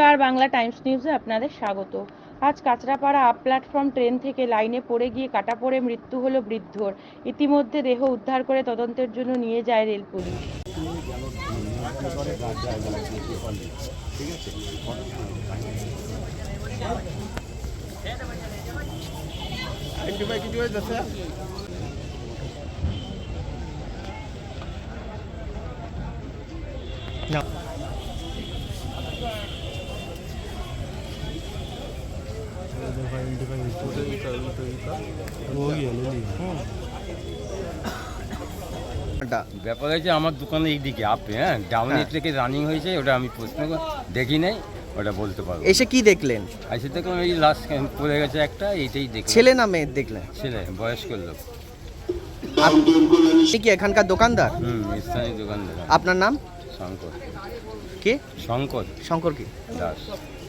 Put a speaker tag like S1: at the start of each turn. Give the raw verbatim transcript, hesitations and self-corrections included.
S1: নমস্কার, বাংলা টাইমস নিউজে আপনাদের স্বাগত। আজ কাঁচরাপাড়া আপ প্ল্যাটফর্ম ট্রেন থেকে লাইনে পড়ে গিয়ে কাটা পড়ে মৃত্যু হলো বৃদ্ধর। ইতিমধ্যে দেহ উদ্ধার করে তদন্তের জন্য নিয়ে যায় রেল পুলিশ।
S2: ব্যাপার হয়েছে আমার দোকানে এইদিকে আপে হ্যাঁ ডাউনের থেকে রানিং হয়েছে, ওটা আমি প্রশ্ন করে দেখি নাই, ওটা বলতে পারবো।
S3: এসে কি দেখলেন?
S2: এসে দেখলাম এই লাস্ট পড়ে গেছে একটা, এইটাই দেখলাম।
S3: ছেলে না মেয়ে দেখলেন?
S2: ছেলে, বয়স্ক লোক।
S3: আপনি কি এখানকার দোকানদার?
S2: হুম, স্থানীয় দোকানদার।
S3: আপনার নাম?
S2: শঙ্কর।
S3: কে?
S2: শঙ্কর
S3: শঙ্কর কি?
S2: দাস।